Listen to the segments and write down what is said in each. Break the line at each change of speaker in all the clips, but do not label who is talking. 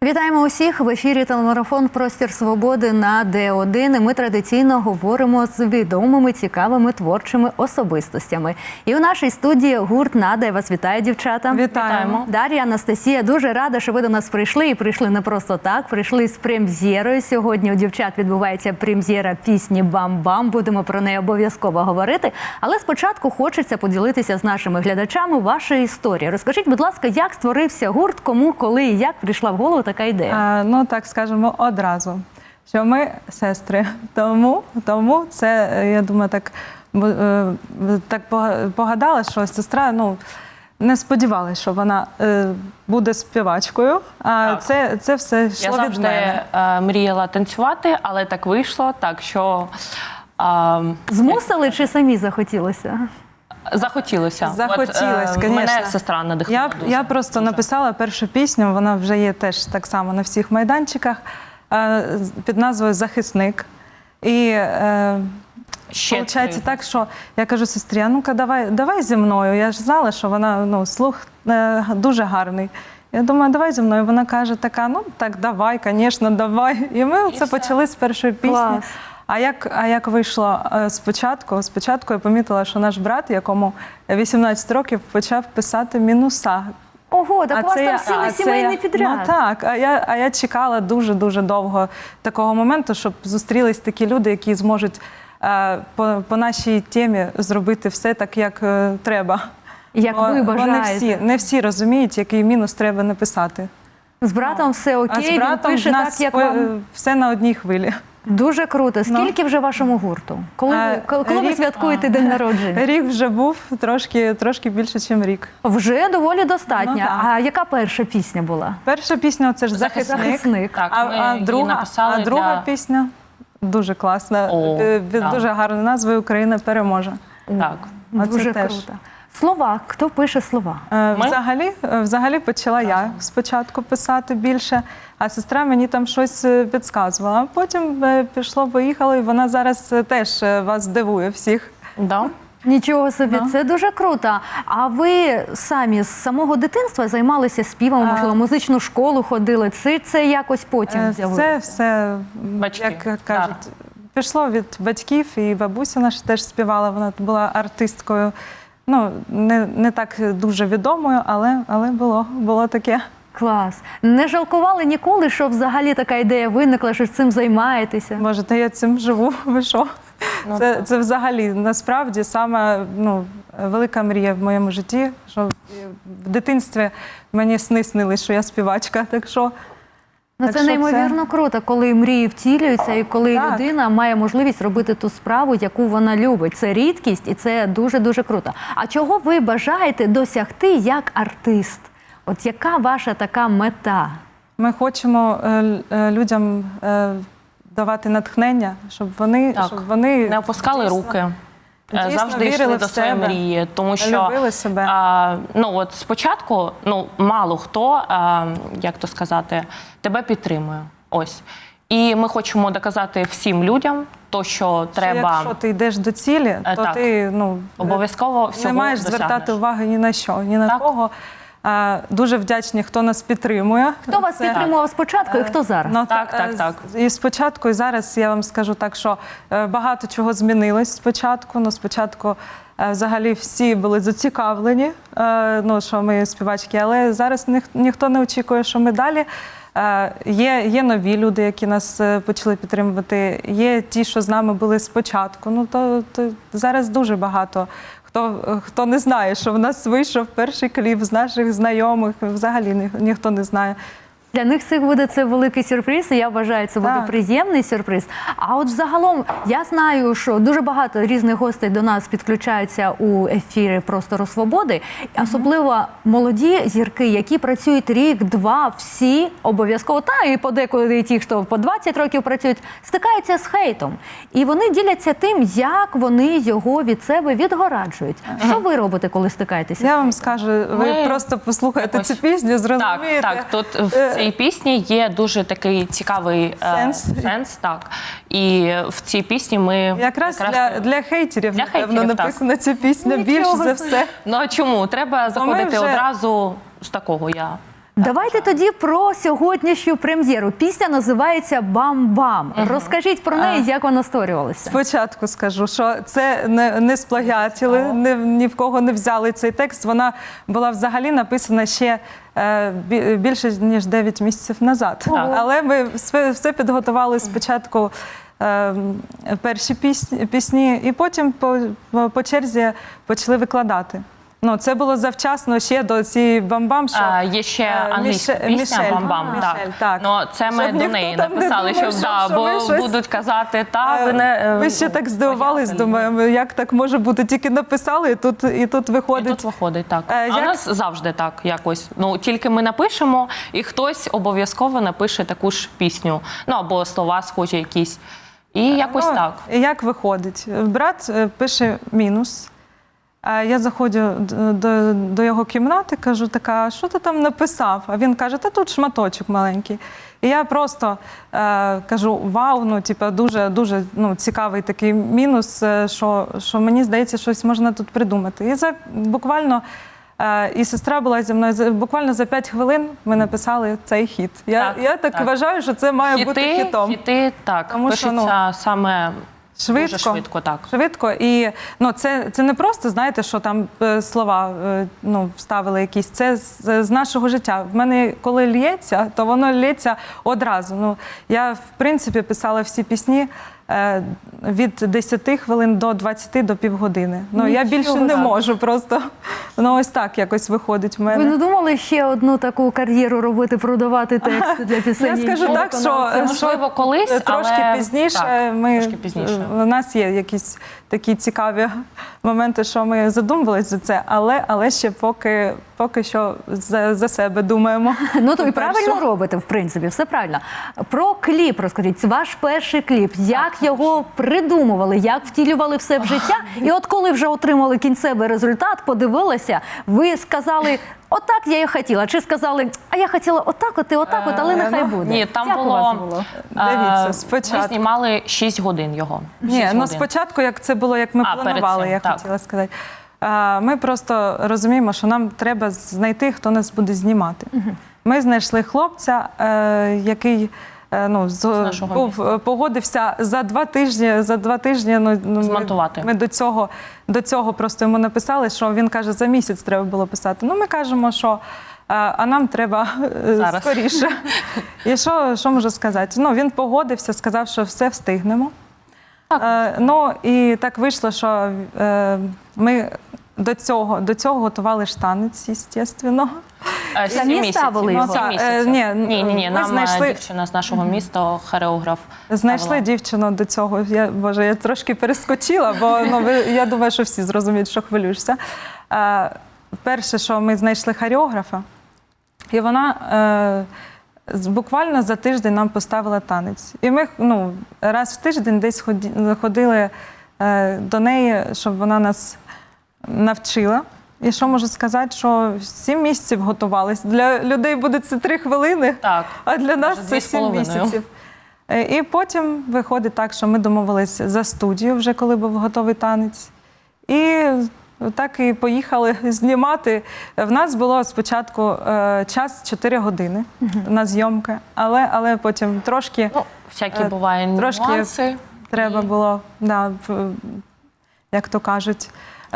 Вітаємо усіх! В ефірі телемарафон «Простір свободи» на Д1. І ми традиційно говоримо з відомими, цікавими, творчими особистостями. І у нашій студії гурт «Нада». Я вас вітаю, дівчата.
Вітаємо.
Дар'я, Анастасія, дуже рада, що ви до нас прийшли. І прийшли не просто так, прийшли з прем'єрою. Сьогодні у дівчат відбувається прем'єра пісні «Бам-бам». Будемо про неї обов'язково говорити. Але спочатку хочеться поділитися з нашими глядачами вашою історією. Розкажіть, будь ласка, як створився гурт, кому, коли і як прийшла в голову така ідея?
Ну, так скажемо одразу, що ми сестри. Тому це, я думаю, так погадала, що сестра, не сподівалася, що вона буде співачкою. А це все йшло від мене.
Я завжди мріяла танцювати, але так вийшло, так що...
Змусили чи самі захотілося?
Захотілося.
Захотілося, звісно.
Мене сестра надихнула дуже.
Я просто написала першу пісню, вона вже є теж так само на всіх майданчиках, під назвою «Захисник». І виходить так, що я кажу сестрі, а ну-ка давай зі мною. Я ж знала, що вона, слух дуже гарний. Я думаю, давай зі мною. Вона каже така, так давай, звісно, давай. І ми це почали з першої пісні.
Клас.
А як вийшло спочатку я помітила, що наш брат, якому 18 років, почав писати мінуса.
Ого, так у вас там цілий сімейний підряд.
Ну так, а я чекала дуже-дуже довго такого моменту, щоб зустрілись такі люди, які зможуть по нашій темі зробити все так, як треба.
Як ви бажаєте.
Не всі розуміють, який мінус треба написати.
З братом все окей,
з братом
він пише так, як вам...
все на одній хвилі.
Дуже круто. Скільки вже вашому гурту? Коли ви святкуєте день народження?
Рік вже був, трошки більше, ніж рік.
Вже доволі достатньо. А яка перша пісня була?
Перша пісня – це ж «Захисник».
Так,
а друга пісня дуже класна, дуже гарна назва «Україна переможе».
Так.
Дуже круто. Слова. Хто пише слова?
Взагалі почала я спочатку писати більше, а сестра мені там щось підказувала. А потім пішло-поїхало, і вона зараз теж вас здивує всіх.
Да.
Нічого собі, це дуже круто. А ви самі з самого дитинства займалися співом, можливо, музичну школу ходили? Це якось потім з'явилося?
Це все, як кажуть, пішло від батьків, і бабуся наша теж співала, вона була артисткою. Не так дуже відомою, але було таке.
Клас. Не жалкували ніколи, що взагалі така ідея виникла, що цим займаєтеся?
Боже, та я цим живу, ви що? Це взагалі, насправді, сама велика мрія в моєму житті, що в дитинстві мені сни снились, що я співачка, так що...
Це неймовірно круто, коли мрії втілюються і коли людина має можливість робити ту справу, яку вона любить. Це рідкість і це дуже-дуже круто. А чого ви бажаєте досягти як артист? От яка ваша така мета?
Ми хочемо людям давати натхнення, щоб вони
не опускали руки. Завжди йшли до своєї мрії, тому що спочатку мало хто, як то сказати, тебе підтримує. Ось. І ми хочемо доказати всім людям, що треба...
Якщо ти йдеш до цілі, то ти
обов'язково всього
не маєш звертати уваги ні на що, ні на кого. Дуже вдячні, хто нас підтримує.
Хто вас підтримував спочатку і хто зараз?
Так.
І спочатку, і зараз я вам скажу так, що багато чого змінилось спочатку. Спочатку взагалі всі були зацікавлені, що ми співачки, але зараз ніхто не очікує, що ми далі. Є нові люди, які нас почали підтримувати, є ті, що з нами були спочатку. То зараз дуже багато. Хто не знає, що в нас вийшов перший кліп з наших знайомих, взагалі ніхто не знає.
Для них це великий сюрприз, і я вважаю, це буде приємний сюрприз. А от загалом, я знаю, що дуже багато різних гостей до нас підключаються у ефірі «Простору свободи», особливо молоді зірки, які працюють рік-два, всі обов'язково, і подекуди ті, хто по 20 років працюють, стикаються з хейтом. І вони діляться тим, як вони його від себе відгораджують. Що ви робите, коли стикаєтеся?
Я вам скажу, ви просто послухайте цю пісню, зрозумієте.
Так, тут цій пісні є дуже такий цікавий сенс, так. І в цій пісні ми...
Якраз для хейтерів, напевно, написана ця пісня більше за все.
Ну а чому? Треба заходити одразу з такого
Давайте тоді про сьогоднішню прем'єру. Пісня називається «Бам-бам». Розкажіть про неї, як вона створювалася.
Спочатку скажу, що це не сплагіатили, ні в кого не взяли цей текст. Вона була взагалі написана ще більше, ніж 9 місяців назад. Але ми все підготували спочатку перші пісні, і потім по черзі почали викладати. Ну, це було завчасно ще до цієї «Бам-бам», що
Є ще англійська пісня «Бам-бам». Так. Ну, це ми
Щоб
до
ніхто
неї
там не
написали,
думав, що
бо
ми щось-
будуть казати, та ви не...
Ми ще так здивувались,
понятно.
думаємо, як так може бути, тільки написали, і тут
І
виходить.
тут виходить, так. А
як-
у нас завжди так якось. Ну, тільки ми напишемо, і хтось обов'язково напише таку ж пісню. Ну, або слова схожі якісь. І якось так.
І як виходить? Брат пише мінус. Я заходжу до його кімнати, кажу, така, що ти там написав? А він каже, та тут шматочок маленький. І я просто кажу, вау, ну, типу, дуже цікавий такий мінус, що мені здається, щось можна тут придумати. І буквально, і сестра була зі мною, буквально за 5 хвилин ми написали цей хіт. Я так вважаю, що це має бути хітом.
Хіти, так,
Тому що,
пишуться саме
Швидко,
дуже швидко, так.
Швидко. І це не просто, знаєте, що там слова вставили якісь. Це з нашого життя. В мене коли лється, то воно лється одразу. Ну, я, в принципі, писала всі пісні від 10 хвилин до 20 до півгодини. Ну, я більше не можу просто. Ну, ось так якось виходить в мене.
Ви не думали ще одну таку кар'єру робити, продавати тексти для пісень?
Я скажу так, що
можливо, колись,
трошки
але...
пізніше.
Так,
ми,
трошки пізніше.
У нас є якісь такі цікаві моменти, що ми задумувалися за це, але ще поки що за себе думаємо.
Ну, то і правильно робите, в принципі, все правильно. Про кліп розкажіть. Ваш перший кліп. Як його придумували, як втілювали все в життя? І от коли вже отримали кінцевий результат, подивилися, ви сказали, отак я і хотіла. Чи сказали, а я хотіла отак, але нехай буде.
Ні, там
Як у вас було?
Дивіться,
Ми
спочатку.
знімали 6 годин його.
Ні,
6
ну
годин.
спочатку, як це було, як ми
перед
планували,
цим,
я
так.
хотіла сказати. Ми просто розуміємо, що нам треба знайти, хто нас буде знімати. Ми знайшли хлопця, який погодився за 2 тижні.
Змонтувати.
Ми до цього просто йому написали, що він каже, за місяць треба було писати. Ну, ми кажемо, що а нам треба
Зараз.
скоріше. І що можу сказати? Ну, він погодився, сказав, що все встигнемо. Ну, і так вийшло, що ми до цього готували штанець, звісно.
Самі ставили його?
Ні.
Ми
Нам дівчина з нашого міста, хореограф.
Знайшли
ставила.
дівчину до цього. Я трошки перескочила, бо я думаю, що всі зрозуміють, що хвилюєшся. Перше, що ми знайшли хореографа, і вона буквально за тиждень нам поставила танець. І ми раз в тиждень десь ходили до неї, щоб вона нас навчила. І що можу сказати, що 7 місяців готувалися. Для людей буде це 3 хвилини,
Так,
а для нас
може,
це 7 місяців. І потім виходить так, що ми домовилися за студію, вже коли був готовий танець. І так і поїхали знімати. В нас було спочатку час 4 години на зйомки, але потім трошки...
Всякі бувають
трошки
нюанси.
Треба було, як то кажуть,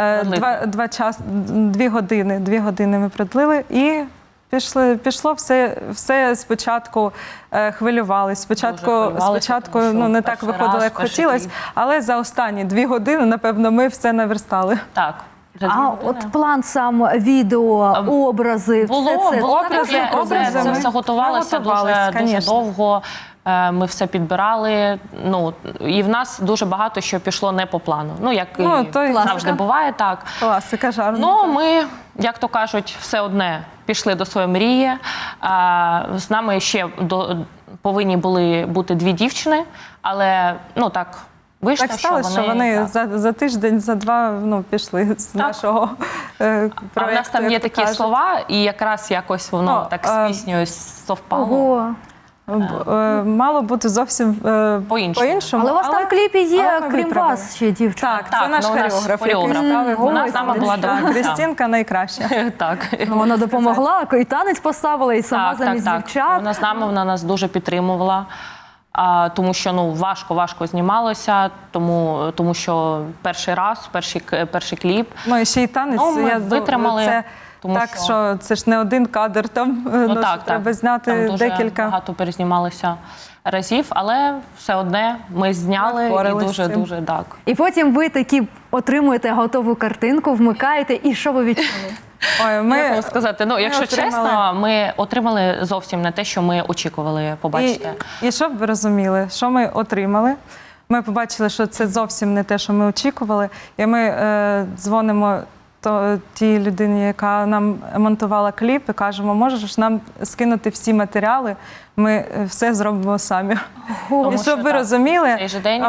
2 години ми продлили і пішло все спочатку хвилювалися. Спочатку не так виходило, як хотілося, але за останні 2 години, напевно, ми все наверстали.
Так.
А от план сам, відео, образи, все це.
Образи
Це все готувалося дуже довго. Ми все підбирали. Ну, і в нас дуже багато що пішло не по плану. Ну, як і завжди буває, так.
Класика жарна.
Ну, ми, як то кажуть, все одне пішли до своєї мрії. З нами ще повинні були бути 2 дівчини, але, так, вийшло,
так сталося, що вони за тиждень, за 2 пішли з нашого проєкту.
А в нас там є такі слова, і якраз якось воно так з піснею совпало.
Ого.
Мало бути зовсім по-іншому.
Але у вас там в кліпі
але
є,
ми
крім
виправили.
вас, ще дівчина.
Так, це наш
ну, у нас
хореограф, який
хореограф.
ставив
Вона
голос.
з нами була до кінця.
Крістінка найкраща.
Так.
Ну, вона допомогла, і танець поставила, і сама замість дівчат.
Вона з нами, вона нас дуже підтримувала. Тому що важко знімалося, тому що перший раз, перший кліп.
Ну і ще й танець.
Ми витримали.
Це так, що це ж не один кадр, там треба зняти
там дуже
декілька.
багато перезнімалося разів, але все одне ми зняли і дуже так.
І потім ви такі отримуєте готову картинку, вмикаєте, і що ви відчули?
Ой,
Як вам сказати, якщо чесно, ми отримали зовсім не те, що ми очікували побачити.
І щоб ви розуміли, що ми отримали, ми побачили, що це зовсім не те, що ми очікували, і ми дзвонимо тій людині, яка нам монтувала кліп, і кажемо, можеш нам скинути всі матеріали, ми все зробимо самі. І щоб ви розуміли,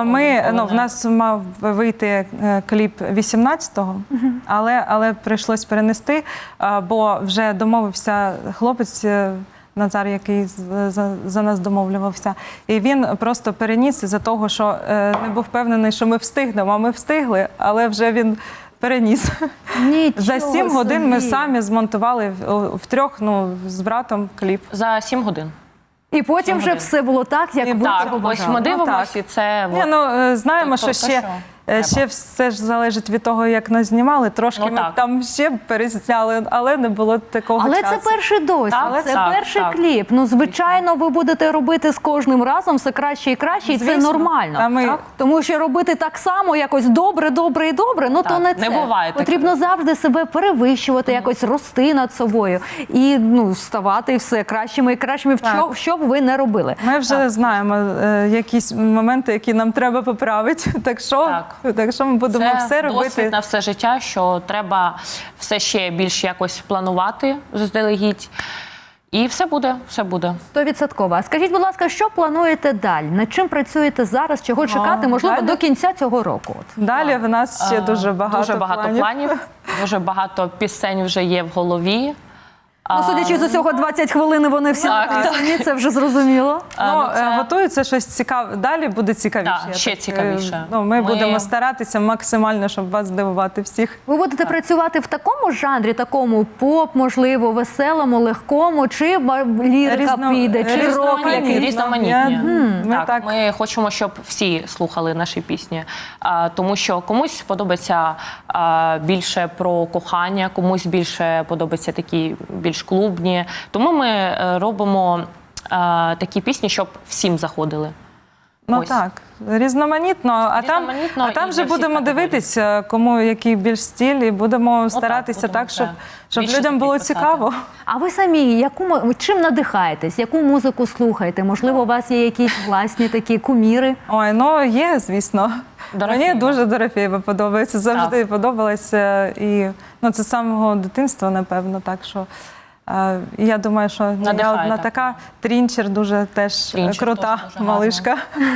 в нас мав вийти кліп 18-го, але прийшлось перенести, бо вже домовився хлопець, Назар, який за нас домовлювався. І він просто переніс із-за того, що не був впевнений, що ми встигнемо, а ми встигли, але вже він переніс. За 7 годин ми самі змонтували втрьох, з братом кліп.
За 7 годин.
І потім вже все було так, як ви цього бажали.
Ось ми дивимося, і це...
Знаємо, що ще все ж залежить від того, як нас знімали. Трошки ми там ще перезняли, але не було такого часу.
Але це перший досвід, це перший кліп. Ну, звичайно, ви будете робити з кожним разом все краще і краще, і це нормально. Тому що робити так само, якось добре, то не це.
Не буває.
Потрібно завжди себе перевищувати, якось рости над собою і ставати все кращими і кращими, що б ви не робили.
Ми вже знаємо якісь моменти, які нам треба поправити, так що ми будемо все робити.
Це досвід на все життя, що треба все ще більш якось планувати заздалегідь. І все буде.
100%. А скажіть, будь ласка, що плануєте далі? Над чим працюєте зараз? Чого чекати, можливо, до кінця цього року?
Далі в нас ще дуже багато
планів. Дуже багато пісень вже є в голові.
Судячи з усього, 20 хвилин вони всі написані, це вже зрозуміло.
Готується щось цікаве. Далі буде цікавіше.
Ще цікавіше.
Ми будемо старатися максимально, щоб вас здивувати всіх.
Ви будете працювати в такому жанрі, такому поп, можливо, веселому, легкому, чи лірика піде, чи рок якийсь?
Різноманітні. Ми хочемо, щоб всі слухали наші пісні. Тому що комусь подобається більше про кохання, комусь більше подобається такі більш клубні. Тому ми робимо такі пісні, щоб всім заходили.
Різноманітно. А там вже будемо дивитися, кому який більш стиль, і будемо старатися так, щоб людям було цікаво.
А ви самі чим надихаєтесь? Яку музику слухаєте? Можливо, у вас є якісь власні такі куміри?
Ой, є, звісно. Мені дуже Дорофєєва подобається, завжди подобалася. І це з самого дитинства, напевно, так що я думаю, що я одна така. Трінчер дуже теж крута малишка.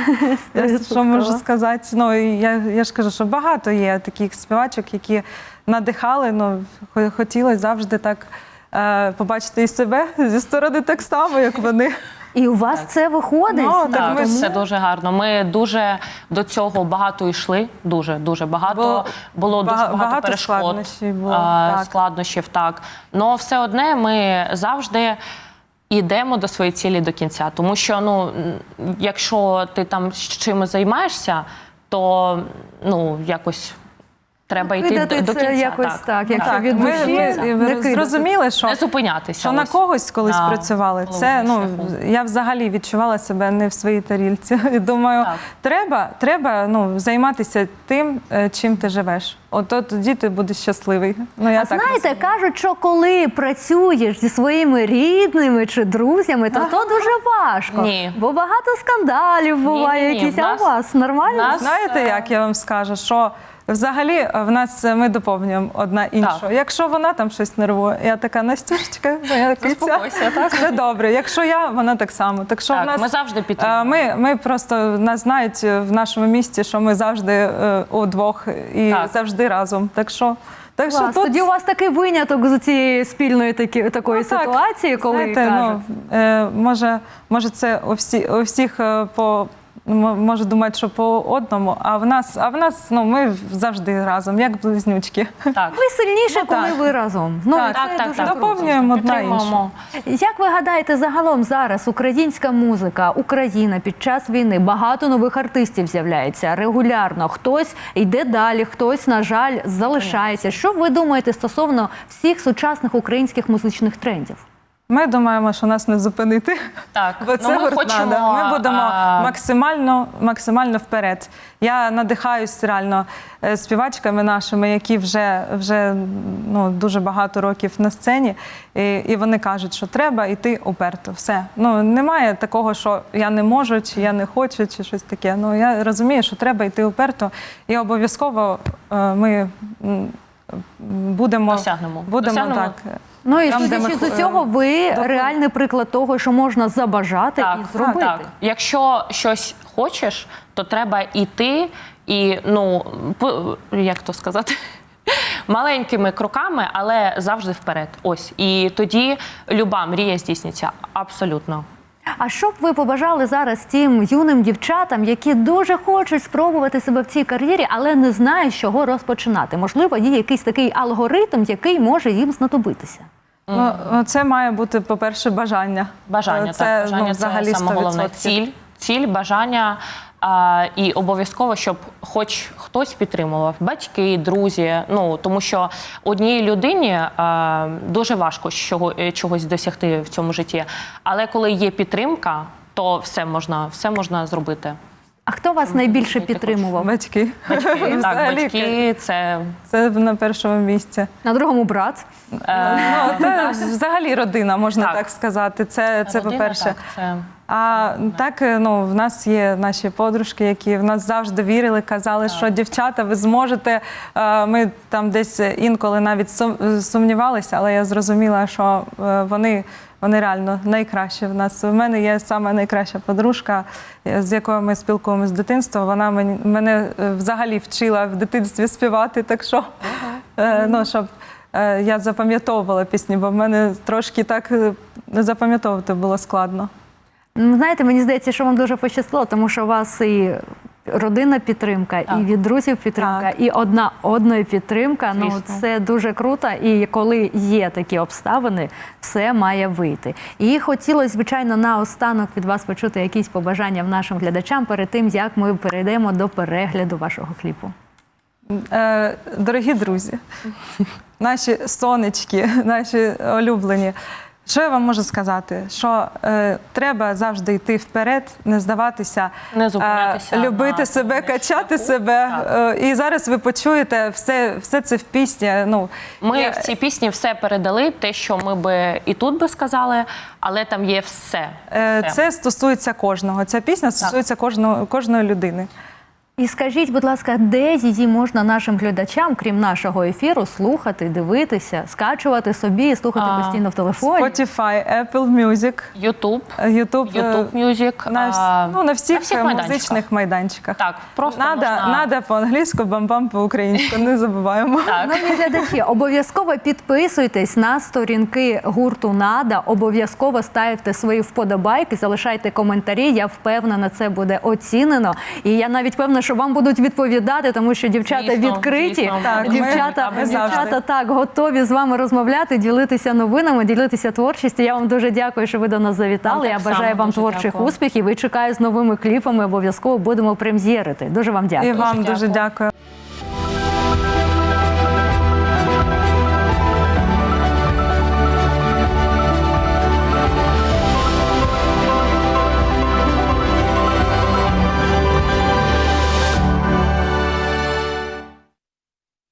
Що можу сказати? Я ж кажу, що багато є таких співачок, які надихали, хотілося завжди так побачити і себе зі сторони так само, як вони.
І у вас це виходить?
Це дуже гарно. Ми дуже до цього багато йшли, дуже багато. Було дуже багато перешкод, складнощів. Но все одне ми завжди йдемо до своєї цілі до кінця. Тому що, якщо ти там чимось займаєшся, то, якось... Треба йти до кінця.
Якось якщо від душі,
зрозуміли, що
не зупинятися.
Що на когось колись працювали. Я взагалі відчувала себе не в своїй тарілці. І думаю, треба займатися тим, чим ти живеш. Тоді ти будеш щасливий.
Знаєте, кажуть, що коли працюєш зі своїми рідними чи друзями, то дуже важко.
Ні.
Бо багато скандалів буває якісь. А у вас нормально?
Знаєте, як я вам скажу, що взагалі в нас ми доповнюємо одна іншу. Якщо вона там щось нервує, я така: Настюшечка, моя киця, все добре. Якщо вона так само. Так що
ми завжди підтримуємо.
Ми просто, нас знають в нашому місті, що ми завжди удвох і завжди разом. Так що Так що
Клас.
тут,
Тоді у вас такий виняток з цієї спільної такої
так,
ситуації, коли
знаєте,
кажуть.
може це у всіх може думати, що по одному, а в нас ми завжди разом, як близнючки.
Так.
Ви сильніше, коли
так.
ви разом.
Так,
це дуже круто.
доповнюємо одна іншу.
Підтримуємо.
Як ви гадаєте, загалом зараз українська музика, Україна під час війни, багато нових артистів з'являється регулярно. Хтось йде далі, хтось, на жаль, залишається. Що ви думаєте стосовно всіх сучасних українських музичних трендів?
Ми думаємо, що нас не зупинити.
Так.
Бо це
ми хочемо,
Ми будемо максимально вперед. Я надихаюсь реально співачками нашими, які вже дуже багато років на сцені, і вони кажуть, що треба йти уперто. Все. Немає такого, що я не можу, чи я не хочу, чи щось таке. Я розумію, що треба йти уперто, і обов'язково ми будемо
Досягнемо.
так.
І
Там, де
судячи
ми
з усього, ви реальний приклад того, що можна забажати і зробити.
Так. Якщо щось хочеш, то треба йти і, як то сказати, маленькими кроками, але завжди вперед. Ось. І тоді люба мрія здійсниться. Абсолютно.
А що б ви побажали зараз тим юним дівчатам, які дуже хочуть спробувати себе в цій кар'єрі, але не знають, з чого розпочинати? Можливо, є якийсь такий алгоритм, який може їм знадобитися?
Це має бути, по-перше, бажання.
Бажання це саме головне. Ціль, бажання. І обов'язково, щоб хоч хтось підтримував, батьки, друзі, тому що одній людині дуже важко чогось досягти в цьому житті, але коли є підтримка, то все можна зробити.
А хто вас найбільше підтримував?
Батьки.
Батьки це
на першому місці.
На другому брат?
Взагалі родина, можна так сказати. Це по-перше. А так, в нас є наші подружки, які в нас завжди вірили, казали, що дівчата, ви зможете. Ми там десь інколи навіть сумнівалися, але я зрозуміла, що вони реально найкращі в нас. У мене є саме найкраща подружка, з якою ми спілкуємося з дитинства. Вона мене взагалі вчила в дитинстві співати, так що, щоб я запам'ятовувала пісні, бо в мене трошки так запам'ятовувати було складно.
Знаєте, мені здається, що вам дуже пощастило, тому що у вас і родинна підтримка, і від друзів підтримка, і одної підтримка. Це дуже круто. І коли є такі обставини, все має вийти. І хотілося, звичайно, наостанок від вас почути якісь побажання нашим глядачам перед тим, як ми перейдемо до перегляду вашого кліпу.
Дорогі друзі, наші сонечки, наші улюблені, що я вам можу сказати? Що треба завжди йти вперед, не здаватися,
не зупинятися,
любити себе, качати себе. І зараз ви почуєте все це в пісні.
Ми в цій пісні все передали, те, що ми би і тут би сказали, але там є все.
Це стосується кожного. Ця пісня стосується кожної людини.
І скажіть, будь ласка, де її можна нашим глядачам, крім нашого ефіру, слухати, дивитися, скачувати собі і слухати постійно в телефоні?
Spotify, Apple Music,
YouTube Music.
На всіх музичних майданчиках.
Так, просто
Нада по-англійську, бам-бам по-українську, не забуваємо.
Шановні глядачі, обов'язково підписуйтесь на сторінки гурту «Нада», обов'язково ставте свої вподобайки, залишайте коментарі, я впевнена, це буде оцінено. І я навіть певна, що вам будуть відповідати, тому що дівчата відкриті, дівчата так готові з вами розмовляти, ділитися новинами, ділитися творчістю. Я вам дуже дякую, що ви до нас завітали. Я бажаю вам творчих успіхів і чекаю з новими кліпами. Обов'язково будемо прем'єрити. Дуже вам дякую.
І вам дуже дякую.